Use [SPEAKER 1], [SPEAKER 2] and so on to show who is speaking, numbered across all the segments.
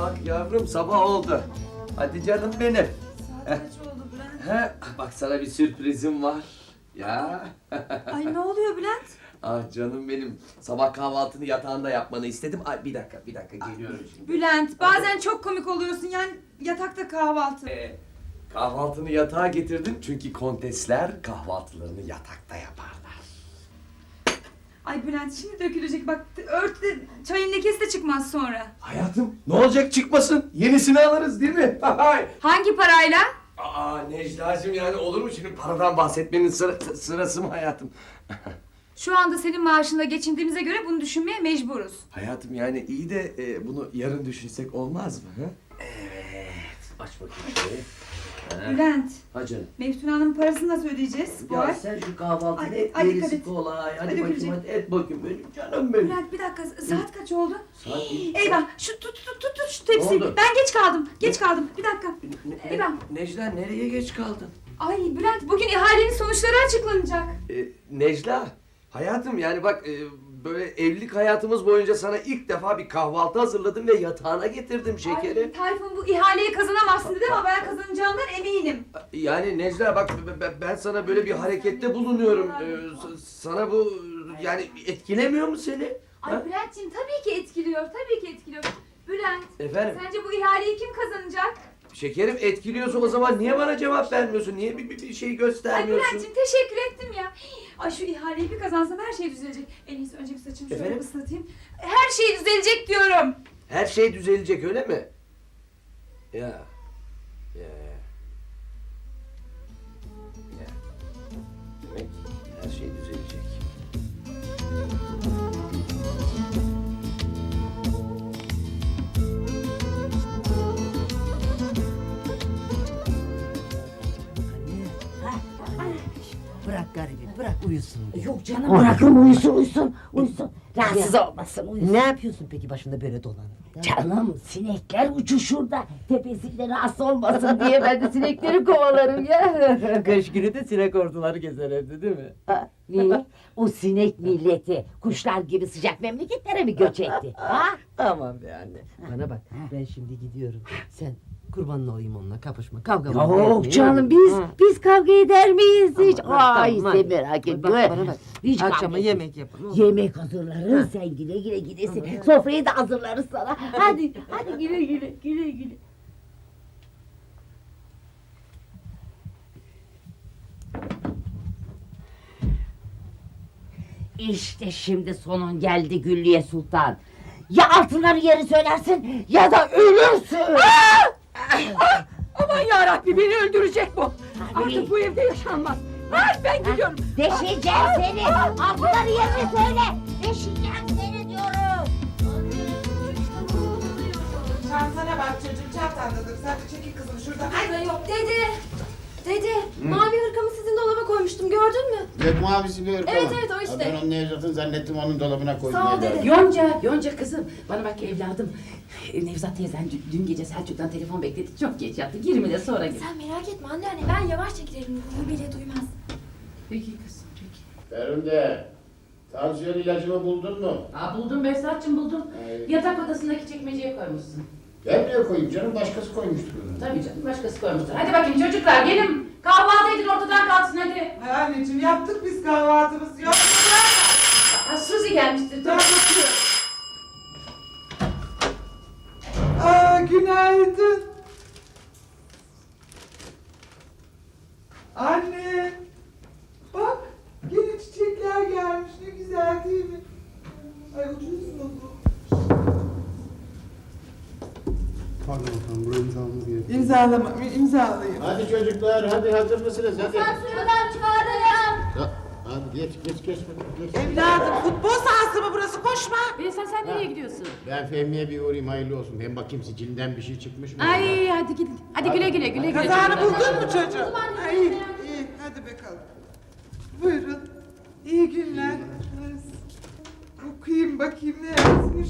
[SPEAKER 1] Bak yavrum sabah oldu. Hadi canım benim.
[SPEAKER 2] Saat kaç oldu Bülent?
[SPEAKER 1] He, bak sana bir sürprizim var. Ya.
[SPEAKER 2] Ay ne oluyor Bülent?
[SPEAKER 1] Ah canım benim. Sabah kahvaltını yatağında yapmanı istedim. Ay bir dakika geliyorum şimdi.
[SPEAKER 2] Bülent bazen çok komik oluyorsun yani yatakta kahvaltı.
[SPEAKER 1] Kahvaltını yatağa getirdim çünkü kontesler kahvaltılarını yatakta yaparlar.
[SPEAKER 2] Ay Bülent şimdi dökülecek bak ört de çayın lekesi de çıkmaz sonra.
[SPEAKER 1] Hayatım ne olacak çıkmasın? Yenisini alırız değil mi?
[SPEAKER 2] Hangi parayla?
[SPEAKER 1] Aa Necla'cığım yani olur mu şimdi paradan bahsetmenin sırası mı hayatım?
[SPEAKER 2] Şu anda senin maaşınla geçindiğimize göre bunu düşünmeye mecburuz.
[SPEAKER 1] Hayatım yani iyi de bunu yarın düşünsek olmaz mı? Hı? Evet. Aç bakayım şöyle.
[SPEAKER 2] Bülent,
[SPEAKER 1] Ha canım.
[SPEAKER 2] Meftun Hanım'ın parasını nasıl ödeyeceğiz bu
[SPEAKER 1] Ya
[SPEAKER 2] ay?
[SPEAKER 1] sen şu kahvaltıyı
[SPEAKER 2] Ay,
[SPEAKER 1] et
[SPEAKER 2] ay, dikkat
[SPEAKER 1] gerisi
[SPEAKER 2] et.
[SPEAKER 1] kolay. Hadi
[SPEAKER 2] Hadi
[SPEAKER 1] bakayım
[SPEAKER 2] Gülcüm.
[SPEAKER 1] hadi et bakayım benim canım benim.
[SPEAKER 2] Bülent bir dakika saat kaç oldu?
[SPEAKER 1] Saat
[SPEAKER 2] Eyvah şu tut şu tepsiyi.
[SPEAKER 1] Ne oldu?
[SPEAKER 2] Ben geç kaldım bir dakika. Eyvah.
[SPEAKER 1] Necla nereye geç kaldın?
[SPEAKER 2] Ay Bülent bugün ihalenin sonuçları açıklanacak.
[SPEAKER 1] Necla hayatım yani bak böyle evlilik hayatımız boyunca sana ilk defa bir kahvaltı hazırladım ve yatağına getirdim şekeri.
[SPEAKER 2] Ay Tayfun bu ihaleyi kazanamazsın dedi ama ben kazanacağımdan eminim.
[SPEAKER 1] Yani Necla bak ben sana böyle bir harekette bulunuyorum. Sana bu yani etkilemiyor mu seni?
[SPEAKER 2] Ay
[SPEAKER 1] Ha?
[SPEAKER 2] Bülent'ciğim tabii ki etkiliyor. Bülent
[SPEAKER 1] Efendim?
[SPEAKER 2] sence bu ihaleyi kim kazanacak?
[SPEAKER 1] Şekerim etkiliyorsa o zaman niye bana cevap vermiyorsun? Niye bir şey
[SPEAKER 2] Ay
[SPEAKER 1] göstermiyorsun?
[SPEAKER 2] Bülent'ciğim teşekkür ettim ya. Ay şu ihaleyi bir kazansam her şey düzelecek. En iyisi önce bir saçımı şöyle
[SPEAKER 1] Efendim?
[SPEAKER 2] ıslatayım. Her şey düzelecek diyorum.
[SPEAKER 1] Her şey düzelecek öyle mi? Ya. Demek her şey düzelecek.
[SPEAKER 3] Bırak garibi, bırak uyusun.
[SPEAKER 4] Yok canım bırakın uyusun. Rahatsız olmasın uyusun.
[SPEAKER 3] Ne yapıyorsun peki başında böyle dolanıp?
[SPEAKER 4] Canım sinekler uçuşurda tepesinde rahatsız olmasın diye ben de sinekleri kovalarım ya.
[SPEAKER 3] Kış günü de sinek orduları gezer evde değil mi?
[SPEAKER 4] Niye? O sinek milleti kuşlar gibi sıcak memleketlere mi göç etti? Ha?
[SPEAKER 3] Aman be anne. Bana bak ben şimdi gidiyorum. Sen kurbanla olayım onunla kapışma kavga mı
[SPEAKER 4] Yok
[SPEAKER 3] etmeyin,
[SPEAKER 4] canım
[SPEAKER 3] değil mi?
[SPEAKER 4] biz kavga eder miyiz hiç?
[SPEAKER 3] Tamam,
[SPEAKER 4] Ay
[SPEAKER 3] tamam,
[SPEAKER 4] sen
[SPEAKER 3] hadi.
[SPEAKER 4] merak etme.
[SPEAKER 3] Bak bana bak.
[SPEAKER 4] Hiç kavga
[SPEAKER 3] Akşama
[SPEAKER 4] etmeyiz.
[SPEAKER 3] yemek yapın. olur mu?
[SPEAKER 4] Yemek hazırlarız sen güle güle gidesin. Sofrayı da hazırlarız sana. Hadi güle. İşte şimdi sonun geldi Güllüye Sultan. Ya altınları yeri söylersin ya da ölürsün.
[SPEAKER 5] Aman yarabbi beni öldürecek bu.
[SPEAKER 4] Tabii.
[SPEAKER 5] Artık bu evde yaşanmaz. Hayır ben gidiyorum.
[SPEAKER 4] Deşeceğim seni. Altınları yerini söyle. Deşeceğim seni diyorum.
[SPEAKER 6] Çantana bak çocuğum çantandadır. Sen de çekil kızım şuradan. Ay.
[SPEAKER 2] Yok Dede mavi hırkamı sizin dolaba koymuştum gördün mü?
[SPEAKER 7] Gök mavisi bir ırk
[SPEAKER 2] Evet,
[SPEAKER 7] ama.
[SPEAKER 2] evet, o işte.
[SPEAKER 7] Ha, ben onu Nevzat'ın zannettim onun dolabına koydum.
[SPEAKER 2] Sağ ol
[SPEAKER 7] evladım.
[SPEAKER 2] dede.
[SPEAKER 5] Yonca kızım. Bana bak evladım. Nevzat teyzen dün gece Selçuk'tan telefon bekledi. Çok geç yattı. 20 de sonra gel.
[SPEAKER 8] Sen merak etme anne ben yavaşça giderim. Ruhu bile duymaz.
[SPEAKER 5] Peki kızım peki.
[SPEAKER 7] Ferhunde, tansiyon ilacımı buldun mu?
[SPEAKER 5] Aa, buldum Behzatçım buldum.
[SPEAKER 7] Ay.
[SPEAKER 5] Yatak odasındaki çekmeceye koymuşsun.
[SPEAKER 7] Ben niye koyayım canım? Başkası koymuştur onu.
[SPEAKER 5] Tabii canım başkası koymuştur. Hadi bakayım çocuklar gelin. Kahvaltı edin ortadan kalksın hadi.
[SPEAKER 6] Ay anneciğim yaptık biz kahvaltımızı. Yok mu bırakma.
[SPEAKER 5] Ha, Suzi gelmiştir.
[SPEAKER 6] Ben
[SPEAKER 5] Dur.
[SPEAKER 6] bakıyorum. Aa günaydın. Anne. Bak yine çiçekler gelmiş. Ne güzel değil mi? Ay ucuz mu bu?
[SPEAKER 9] Pardon efendim, buraya imzamamız gerekiyor.
[SPEAKER 6] İmzalayayım.
[SPEAKER 7] Hadi çocuklar, hadi hazır mısınız? Hadi.
[SPEAKER 8] Şuradan çıkardım.
[SPEAKER 7] Ya, hadi geç.
[SPEAKER 6] Evladım futbol sahası mı burası? Koşma.
[SPEAKER 5] Behzat sen nereye gidiyorsun?
[SPEAKER 7] Ben Fehmi'ye bir uğrayayım hayırlı olsun. Hem bakayım sicilinden bir şey çıkmış mı?
[SPEAKER 5] Ay hadi gidin. Hadi güle güle.
[SPEAKER 6] Kazanı
[SPEAKER 5] çocuklar.
[SPEAKER 6] buldun mu çocuğum? Ay, iyi. Hadi bakalım. Buyurun. İyi günler. Okuyayım bakayım ne yazmış.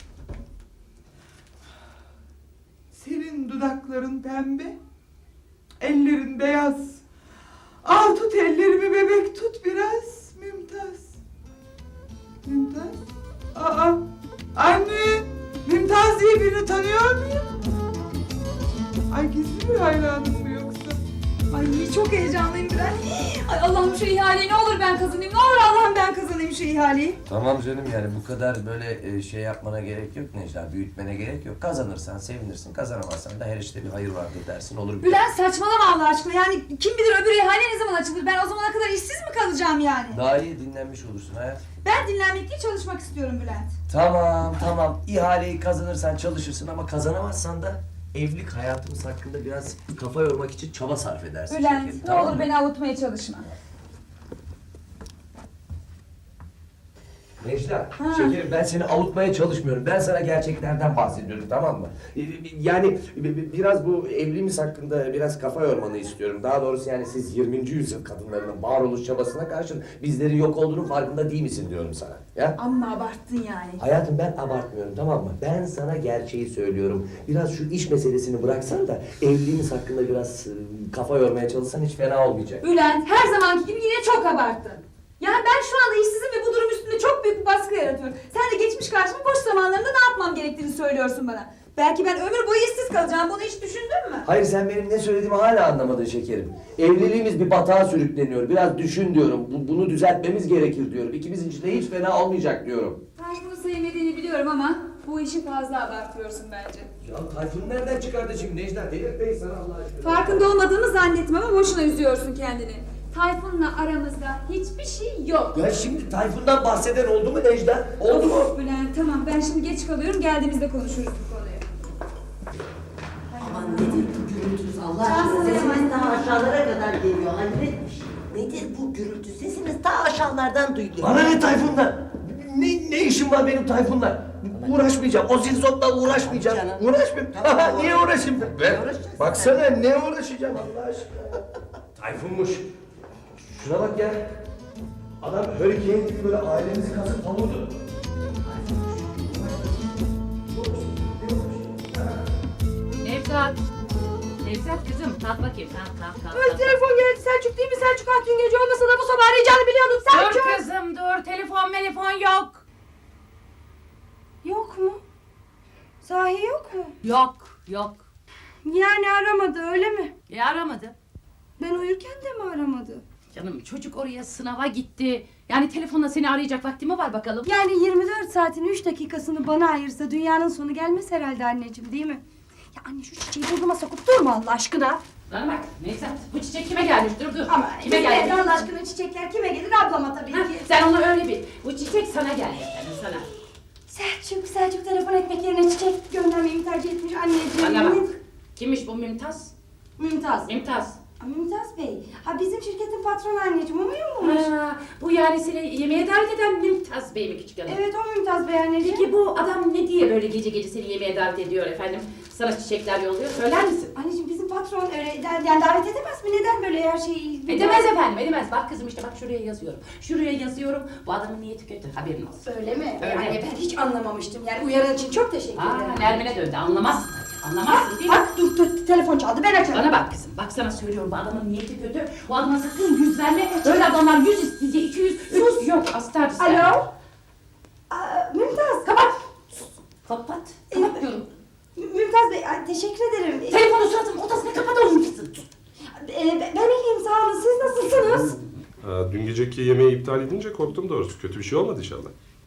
[SPEAKER 6] Senin dudakların pembe, ellerin beyaz. Al tut ellerimi bebek tut biraz. Mümtaz. Mümtaz? Aa, anne. Mümtaz diye birini ismimi tanıyor muyum? Ay gizli bir hayranım bu yoksa?
[SPEAKER 2] Ay çok heyecanlıyım Bülent. Ay Allah'ım şu ihaleyi ne olur ben kazanayım. Ne olur Allah'ım ben kazanayım şu ihaleyi.
[SPEAKER 1] Tamam canım yani bu kadar böyle şey yapmana gerek yok Necla. Büyütmene gerek yok. Kazanırsan sevinirsin. Kazanamazsan da her işte bir hayır vardır dersin. Olur biter.
[SPEAKER 2] Bülent saçmalama Allah aşkına. Yani kim bilir öbür ihale ne zaman açılır. Ben o zamana kadar işsiz mi kalacağım yani?
[SPEAKER 1] Daha iyi dinlenmiş olursun hayat.
[SPEAKER 2] Ben dinlenmek değil çalışmak istiyorum Bülent.
[SPEAKER 1] Tamam. İhaleyi kazanırsan çalışırsın ama kazanamazsan da evlilik hayatımız hakkında biraz kafa yormak için çaba sarf edersin.
[SPEAKER 2] Bülent
[SPEAKER 1] şekerim,
[SPEAKER 2] ne
[SPEAKER 1] tamam
[SPEAKER 2] olur
[SPEAKER 1] mı?
[SPEAKER 2] beni avutmaya çalışma.
[SPEAKER 1] Necla, şekerim ben seni avutmaya çalışmıyorum. Ben sana gerçeklerden bahsediyorum, tamam mı? Yani biraz bu evliliğimiz hakkında biraz kafa yormanı istiyorum. Daha doğrusu yani siz 20. yüzyıl kadınlarının varoluş çabasına karşın bizlerin yok olduğunun farkında değil misin diyorum sana. Ya?
[SPEAKER 2] Amma abarttın yani.
[SPEAKER 1] Hayatım ben abartmıyorum, tamam mı? Ben sana gerçeği söylüyorum. Biraz şu iş meselesini bıraksan da evliliğimiz hakkında biraz kafa yormaya çalışsan hiç fena olmayacak.
[SPEAKER 2] Bülent her zamanki gibi yine çok abarttın. Yani ben şu anda işsizim ve bu durum üstünde çok büyük bir baskı yaratıyorum. Sen de geçmiş karşıma boş zamanlarında ne yapmam gerektiğini söylüyorsun bana. Belki ben ömür boyu işsiz kalacağım. Bunu hiç düşündün mü?
[SPEAKER 1] Hayır sen benim ne söylediğimi hala anlamadın şekerim. Evliliğimiz bir batağa sürükleniyor. Biraz düşün diyorum. Bunu düzeltmemiz gerekir diyorum. İkimizin için de hiç fena olmayacak diyorum.
[SPEAKER 2] Tayfun'u sevmediğini biliyorum ama bu işi fazla abartıyorsun bence.
[SPEAKER 1] Ya Tayfun nereden çıkardı şimdi Necla? Delirtmeyin sana Allah aşkına.
[SPEAKER 2] Farkında olmadığımı zannetmem ama boşuna üzüyorsun kendini. Tayfun'la aramızda hiçbir şey yok.
[SPEAKER 1] Ya şimdi Tayfun'dan bahseden oldu mu Necla? Oldu mu?
[SPEAKER 2] Of Bülent tamam ben şimdi geç kalıyorum geldiğimizde konuşuruz bu konuyu.
[SPEAKER 3] Aman nedir bu gürültünüz Allah aşkına? Sesiniz daha aşağılara kadar geliyor. Hayret bir şey. Nedir bu gürültü? Sesiniz daha aşağılardan duyuluyor.
[SPEAKER 1] Bana ne Tayfun'dan? Ne işim var benim Tayfun'la? Uğraşmayacağım. O zilzotla uğraşmayacağım.
[SPEAKER 3] Canım.
[SPEAKER 1] Uğraşmayayım.
[SPEAKER 3] Tamam,
[SPEAKER 1] Niye uğraşayım ben?
[SPEAKER 3] Ne uğraşacaksın
[SPEAKER 1] Baksana ne uğraşacağım Allah aşkına. Tayfun'muş. Şuna bak ya. Adam hurricane gibi böyle ailemizi kazıp kavurdu.
[SPEAKER 5] Nevzat. Nevzat kızım kalk bakayım kalk.
[SPEAKER 2] Telefon geldi Selçuk değil mi? Selçuk dün gece olmasa da bu sabah arayacağını biliyordum Selçuk.
[SPEAKER 5] Dur kızım dur telefon yok.
[SPEAKER 8] Yok mu? Sahi yok mu?
[SPEAKER 5] Yok.
[SPEAKER 8] Yani aramadı öyle mi?
[SPEAKER 5] Aramadı.
[SPEAKER 8] Ben uyurken de mi aramadı?
[SPEAKER 5] Canım çocuk oraya sınava gitti. Yani telefonla seni arayacak vakti mi var bakalım?
[SPEAKER 8] Yani 24 saatin 3 dakikasını bana ayırsa dünyanın sonu gelmez herhalde anneciğim değil mi? Ya anne şu çiçeği burnuma sokup durma Allah aşkına.
[SPEAKER 5] Bana bak Nevzat bu çiçek kime gelmiş dur.
[SPEAKER 8] Ama
[SPEAKER 5] Kime gelmiş?
[SPEAKER 8] Allah aşkına çiçekler kime gelir ablama tabii
[SPEAKER 5] Ha,
[SPEAKER 8] ki.
[SPEAKER 5] sen onu öyle bil. Bu çiçek sana gelmiş sana.
[SPEAKER 8] Selçuk telefon etmek yerine çiçek göndermeyi tercih etmiş anneciğim.
[SPEAKER 5] Bana bak. Kimmiş bu Mümtaz?
[SPEAKER 8] Mümtaz.
[SPEAKER 5] Mümtaz.
[SPEAKER 8] Mümtaz Bey. Ha bizim şirketin patronu anneciğim o muymuş?
[SPEAKER 5] Ha, bu yani seni yemeğe davet eden Mümtaz Bey mi küçük hanım?
[SPEAKER 8] Evet o Mümtaz Bey anneciğim.
[SPEAKER 5] Peki bu adam ne diye böyle gece seni yemeğe davet ediyor efendim? Sana çiçekler yolluyor. Söyler misin?
[SPEAKER 8] Anneciğim bizim patron öyle yani davet edemez mi? Neden böyle her şeyi...
[SPEAKER 5] Edemez efendim edemez. Bak kızım işte bak şuraya yazıyorum. Şuraya yazıyorum. Bu adamın niyeti kötü. Haberin olsun.
[SPEAKER 8] Öyle mi?
[SPEAKER 5] Öyle.
[SPEAKER 8] Anne ben hiç anlamamıştım. Yani uyaran için çok teşekkür ederim.
[SPEAKER 5] Nermin'e döndü. Anlamazsın. Anlamazsın değil mi?
[SPEAKER 8] Bak dur telefon çaldı ben açarım.
[SPEAKER 5] Bana bak kızım. Bak sana söylüyorum bu adamın niyeti kötü. Bu adama sakın yüz verme. Öyle adamlar 100 isteyecek, 200, 300 yok. Astar ister.
[SPEAKER 8] Alo? Mümtaz.
[SPEAKER 5] Kapat. Sus. Kapat. Kapat diyorum.
[SPEAKER 8] Mümtaz Bey teşekkür ederim.
[SPEAKER 5] Telefonu suratımın ortasına kapat oğlum kızım.
[SPEAKER 8] Ben iyiyim sağ olun. Siz nasılsınız?
[SPEAKER 10] Dün geceki yemeği iptal edince korktum doğrusu. Kötü bir şey olmadı inşallah.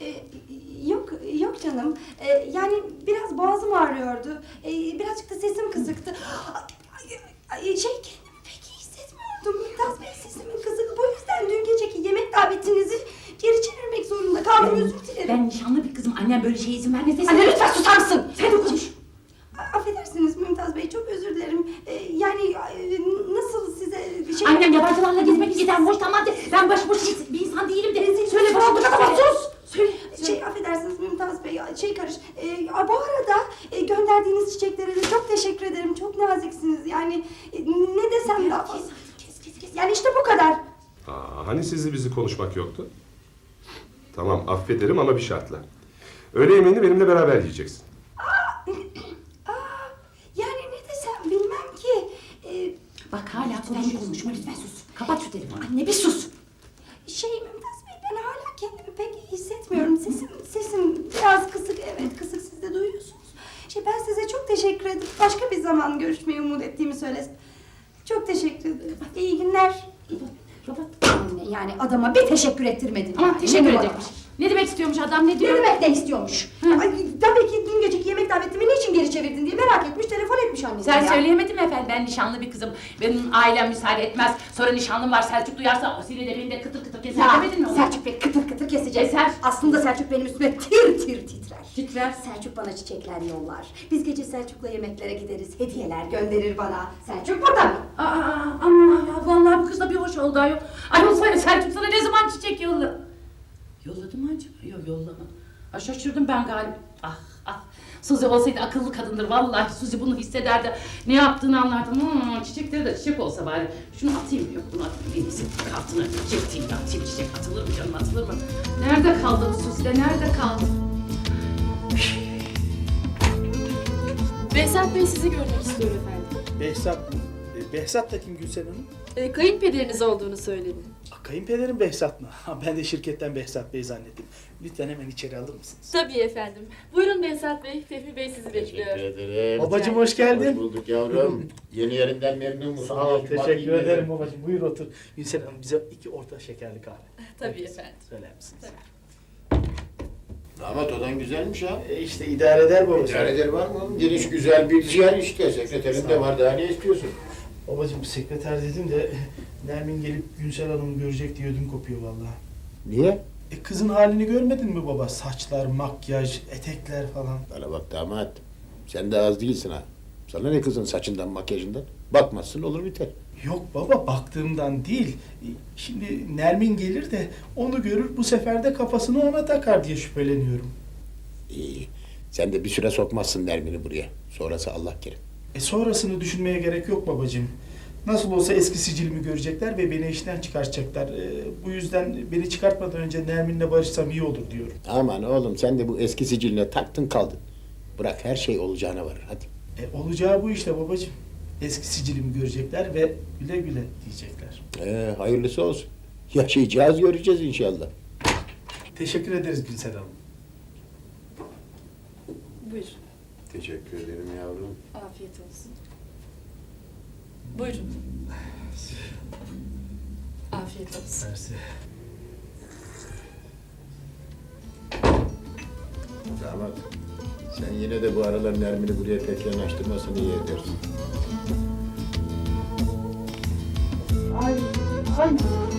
[SPEAKER 8] Yok canım. Yani biraz boğazım ağrıyordu. Birazcık da sesim kısıktı. Kendimi pek iyi hissetmiyordum. Mümtaz Bey sesimin kısık. Bu yüzden dün geceki yemek davetinizi geri çevirmek zorunda kaldım. Özür dilerim.
[SPEAKER 5] Ben nişanlı bir kızım. Annem böyle şeye izin vermez.
[SPEAKER 8] Anne lütfen susar mısın?
[SPEAKER 5] Sen de konuş.
[SPEAKER 8] Affedersiniz Mümtaz Bey çok özür dilerim. Yani nasıl size bir şey...
[SPEAKER 5] Annem yabancılarla gezmek giden hoşlanmaz. Ben başıboş bir insan değilim de. Söyle başıboş. Sus. Söyle.
[SPEAKER 8] Affedersiniz Mümtaz Bey bu arada gönderdiğiniz çiçeklere de çok teşekkür ederim. Çok naziksiniz. Yani ne desem daha fazla. Kes. Yani işte bu kadar.
[SPEAKER 10] Hani sizle bizi konuşmak yoktu? Tamam affederim ama bir şartla. Öğle yemeğini benimle beraber yiyeceksin.
[SPEAKER 8] Yani ne desem bilmem ki.
[SPEAKER 5] Bak hala konuşma lütfen sus. Kapat şu telefonu.
[SPEAKER 8] Anne bir sus. Mümtaz Bey ben hala kendimi pek iyi hissetmiyorum. Sesim biraz kısık. Evet kısık siz de duyuyorsunuz. Ben size zaman görüşmeyi umut ettiğimi söylesin. Çok teşekkür ederim. İyi günler. Anne, yani adama bir teşekkür ettirmedin.
[SPEAKER 5] Ama
[SPEAKER 8] yani.
[SPEAKER 5] teşekkür
[SPEAKER 8] Ne bu
[SPEAKER 5] edecekmiş. Ne demek istiyormuş adam, ne
[SPEAKER 8] Ne
[SPEAKER 5] diyor?
[SPEAKER 8] demek ne istiyormuş? Ay, tabii ki dün geceki yemek davetimi niçin geri çevirdin diye merak etmiş, telefon etmiş annesi.
[SPEAKER 5] Sen söyleyemedin mi efendim? Ben nişanlı bir kızım. Benim ailem müsaade etmez. Sonra nişanlım var, Selçuk duyarsa o seni de beni de kıtır kıtır keser demedin mi? ona?
[SPEAKER 8] Selçuk Bey kıtır kıtır kesecek.
[SPEAKER 5] Keser.
[SPEAKER 8] Aslında Selçuk benim üstüme tir tir titrer.
[SPEAKER 5] Titrer.
[SPEAKER 8] Selçuk bana çiçekler yollar. Biz gece Selçuk'la yemeklere gideriz. Hediyeler gönderir bana. Selçuk burada mı?
[SPEAKER 5] Ama ya vallahi bu kız da bir hoş oldu ayol. Ayol Selçuk sana ne zaman çiçek yolladı? Yolladı mı acaba? Yok yollamadı. Şaşırdım ben galiba. Suzi olsaydı akıllı kadındır vallahi. Suzi bunu hissederdi. Ne yaptığını anlardı. Çiçekleri de çiçek olsa bari. Şunu atayım, yok bunu atayım. En iyisi kartını çektiğim ya. Çiçek atılır mı canım, atılır mı? Nerede kaldı bu Suzi de, nerede kaldı?
[SPEAKER 11] Behzat Bey sizi görmek istiyor efendim.
[SPEAKER 12] Behzat mı? Behzat da kim Gülsen Hanım?
[SPEAKER 11] Kayınpederiniz olduğunu söyledi.
[SPEAKER 12] Kayınpederim Behzat mı? Ben de şirketten Behzat Bey zannettim. Lütfen hemen içeri alır mısınız?
[SPEAKER 11] Tabii efendim. Buyurun Behzat Bey, Fehmi Bey sizi bekliyor.
[SPEAKER 7] Teşekkür ederim.
[SPEAKER 12] Babacığım hoş geldin.
[SPEAKER 7] Hoş bulduk yavrum. Yeni yerinden memnun musun?
[SPEAKER 12] Sağ ol,
[SPEAKER 7] Bak,
[SPEAKER 12] teşekkür
[SPEAKER 7] iyi
[SPEAKER 12] ederim babacığım. Buyur otur. Gülsen Hanım bize 2 orta şekerli kahve.
[SPEAKER 11] Tabii efendim.
[SPEAKER 12] Söyler misiniz?
[SPEAKER 7] Damat odan güzelmiş ha.
[SPEAKER 12] İşte idare eder babacığım.
[SPEAKER 7] İdare eder var mı oğlum? Geniş güzel bir yer işte. Sekreterin de var, daha ne istiyorsun?
[SPEAKER 12] Babacığım sekreter dedim de Nermin gelip Gülsen Hanım'ı görecek diye ödüm kopuyor vallahi.
[SPEAKER 7] Niye?
[SPEAKER 12] Kızın halini görmedin mi baba? Saçlar, makyaj, etekler falan.
[SPEAKER 7] Bana bak damat. Sen de az değilsin ha. Sana ne kızın saçından, makyajından? Bakmazsın olur biter.
[SPEAKER 12] Yok baba baktığımdan değil. Şimdi Nermin gelir de onu görür bu sefer de kafasını ona takar diye şüpheleniyorum.
[SPEAKER 7] İyi. Sen de bir süre sokmazsın Nermin'i buraya. Sonrası Allah kerim.
[SPEAKER 12] Sonrasını düşünmeye gerek yok babacığım. Nasıl olsa eski sicilimi görecekler ve beni işten çıkartacaklar. Bu yüzden beni çıkartmadan önce Nermin'le barışsam iyi olur diyorum.
[SPEAKER 7] Aman oğlum sen de bu eski siciline taktın kaldın. Bırak her şey olacağına varır hadi.
[SPEAKER 12] Olacağı bu işte babacığım. Eski sicilimi görecekler ve güle güle diyecekler.
[SPEAKER 7] Hayırlısı olsun. Yaşayacağız göreceğiz inşallah.
[SPEAKER 12] Teşekkür ederiz Gülsen Hanım.
[SPEAKER 11] Buyur.
[SPEAKER 7] Teşekkür ederim yavrum.
[SPEAKER 11] Afiyet olsun. Buyurun. Afiyet olsun.
[SPEAKER 12] Mersi.
[SPEAKER 7] Damat, sen yine de bu aralar Nermin'i buraya pek yanaştırmasını iyi edersin.
[SPEAKER 5] Ay.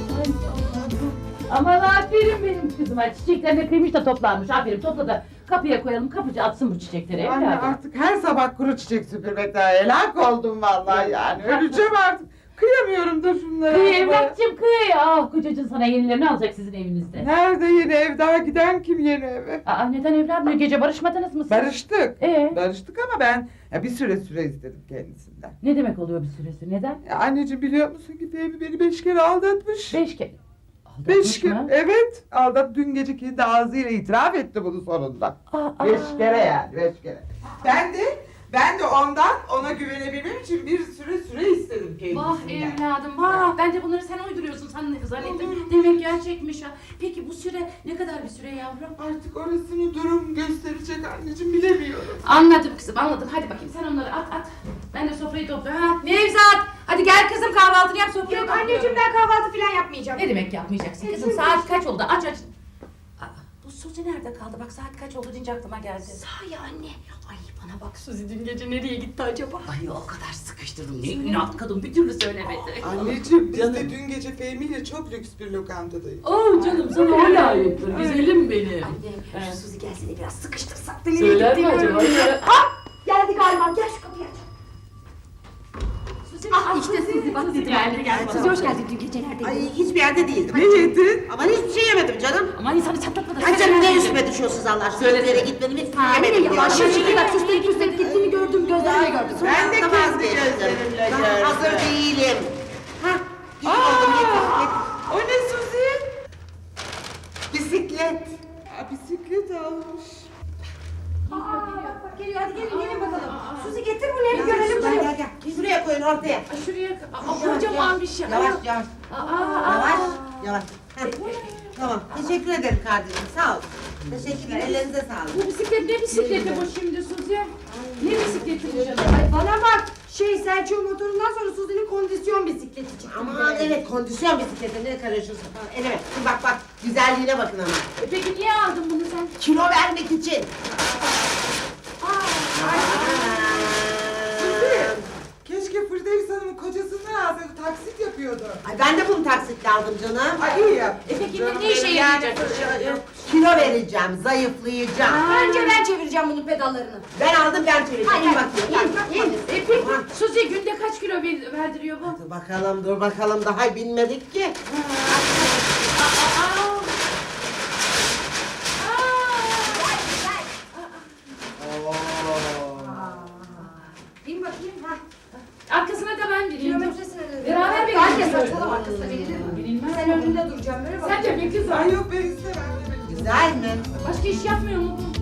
[SPEAKER 5] Aman aferin benim kızıma. Çiçeklerini kıymış da toplanmış. Aferin topla da kapıya koyalım. Kapıcı atsın bu çiçekleri.
[SPEAKER 6] Anne
[SPEAKER 5] evladım.
[SPEAKER 6] artık her sabah kuru çiçek süpürmekten helak oldum vallahi yani. Öleceğim artık. Kıyamıyorum da şunlara.
[SPEAKER 5] Kıy evlatçım kıy. Ah kocacığın sana yenilerini alacak sizin evinizde.
[SPEAKER 6] Nerede yeni ev? Daha giden kim yeni eve?
[SPEAKER 5] Neden evladım? Gece barışmadınız mı siz?
[SPEAKER 6] Barıştık.
[SPEAKER 5] Ee?
[SPEAKER 6] Barıştık ama ben bir süre istedim kendisinden.
[SPEAKER 5] Ne demek oluyor bir süresi? Neden?
[SPEAKER 6] Anneciğim biliyor musun ki Fehmi beni 5 kere aldatmış.
[SPEAKER 5] 5 kere.
[SPEAKER 6] 5 kere.
[SPEAKER 5] mı?
[SPEAKER 6] Evet. Dün gece kendi ağzıyla itiraf etti bunu sonunda. 5 kere yani 5 kere. Ben de ondan ona güvenebilmem için bir süre istedim kendisinden.
[SPEAKER 5] Vah evladım vah. Ben de bunları sen uyduruyorsun zannettim. Demek gerçekmiş ha. Peki bu süre ne kadar bir süre yavrum?
[SPEAKER 6] Artık orasını durum gösterecek anneciğim bilemiyorum.
[SPEAKER 5] Anladım kızım anladım. Hadi bakayım sen onları at. Ben de sofrayı topluyorum. Nevzat! Hadi gel kızım kahvaltını yap sofrayı
[SPEAKER 8] Yok
[SPEAKER 5] topluyorum.
[SPEAKER 8] anneciğim ben kahvaltı falan yapmayacağım.
[SPEAKER 5] Ne demek yapmayacaksın kızım? Saat kaç oldu? Aç. Bu Suzi nerede kaldı? Bak saat kaç oldu deyince aklıma geldi.
[SPEAKER 8] Sahi anne. Ay bana bak Suzi dün gece nereye gitti acaba?
[SPEAKER 5] Ay o kadar sıkıştırdım. Ne inat kadın bir türlü söylemedi.
[SPEAKER 6] Anneciğim biz de dün gece Fehmi ile çok lüks bir lokantadayız.
[SPEAKER 5] Oh canım sana o layıktır. Güzelim benim.
[SPEAKER 8] Anne şu Suzi gelse de biraz sıkıştırsak da nereye
[SPEAKER 5] Söyler mi
[SPEAKER 8] gittiğini
[SPEAKER 5] acaba?
[SPEAKER 8] öğrenelim. Geldi galiba gel şu kapıyı aç.
[SPEAKER 5] İşte Suzi bak Suzi geldi.
[SPEAKER 8] Suzi hoş geldin dün gece neredeydin?
[SPEAKER 3] Ay hiçbir yerde değildim.
[SPEAKER 6] Ne yedin?
[SPEAKER 3] Aman hiçbir şey yemedim canım.
[SPEAKER 5] Aman insanı çatlatma da.
[SPEAKER 3] Ay canım ne üstüme düşüyorsunuz Allah aşkına? Hiçbir yere gitmedim, hiçbir şey
[SPEAKER 8] Anne
[SPEAKER 3] yemedim.
[SPEAKER 8] yavaş şimdi bak süslenip püslenip gittiğini gördüm gözlerimle gördüm.
[SPEAKER 6] Ben de
[SPEAKER 3] Sonra
[SPEAKER 6] kendi
[SPEAKER 3] vazgeçtim.
[SPEAKER 6] gözlerimle
[SPEAKER 3] Ben
[SPEAKER 6] gördüm.
[SPEAKER 3] hazır değilim. Hah, git.
[SPEAKER 6] O ne Suzi?
[SPEAKER 3] Bisiklet.
[SPEAKER 6] Bisiklet almış.
[SPEAKER 8] Bak geliyor hadi gelin bakalım. Suzi getir bunu bir görelim.
[SPEAKER 3] Gel. Şuraya koyun ortaya.
[SPEAKER 5] Şuraya kocaman bir şey.
[SPEAKER 3] Yavaş. Yavaş. Heh. Tamam. Teşekkür ederim kardeşim. Sağ ol. Teşekkürler, ellerinize sağlık.
[SPEAKER 5] Bu bisiklet ne bisikleti bu şimdi Suzi? Ne bisikleti bu canım?
[SPEAKER 8] Ay bana bak. Selçuk'un motorundan sonra Suzi'nin kondisyon bisikleti çıktı.
[SPEAKER 3] Aman evet, kondisyon bisikleti ne karışıyorsun falan. Evet, bak güzelliğine bakın ama.
[SPEAKER 5] Peki niye aldın bunu sen?
[SPEAKER 3] Kilo vermek için.
[SPEAKER 6] Keşke Firdevs Hanım'ın kocasından alsaydı, taksit yapıyordu.
[SPEAKER 3] Ay ben de bunu taksitle aldım canım.
[SPEAKER 6] Ay iyi yap.
[SPEAKER 5] Peki
[SPEAKER 6] Canım
[SPEAKER 5] ne işe
[SPEAKER 6] benim,
[SPEAKER 5] yarayacak?
[SPEAKER 3] Kilo vereceğim, zayıflayacağım.
[SPEAKER 8] Önce ben çevireceğim bunun pedallarını.
[SPEAKER 3] Ben aldım, ben çevireceğim.
[SPEAKER 8] Hayır,
[SPEAKER 3] İyi
[SPEAKER 8] hayır,
[SPEAKER 3] bakayım.
[SPEAKER 5] Peki Suzi günde kaç kilo verdiriyor bu?
[SPEAKER 3] Dur bakalım, daha binmedik ki.
[SPEAKER 8] Bin bakayım.
[SPEAKER 5] Arkasına da ben bineyim.
[SPEAKER 8] Kilometresine de.
[SPEAKER 5] Beraber
[SPEAKER 8] Ben de
[SPEAKER 5] binelim.
[SPEAKER 8] saçmalama arkasına binelim.
[SPEAKER 5] Binilmez.
[SPEAKER 8] Sen önünde duracağım böyle bak.
[SPEAKER 5] Sen de bir kız
[SPEAKER 6] Ay yok ben istemem.
[SPEAKER 3] Güzel mi?
[SPEAKER 5] Başka iş yapmıyor mu bu?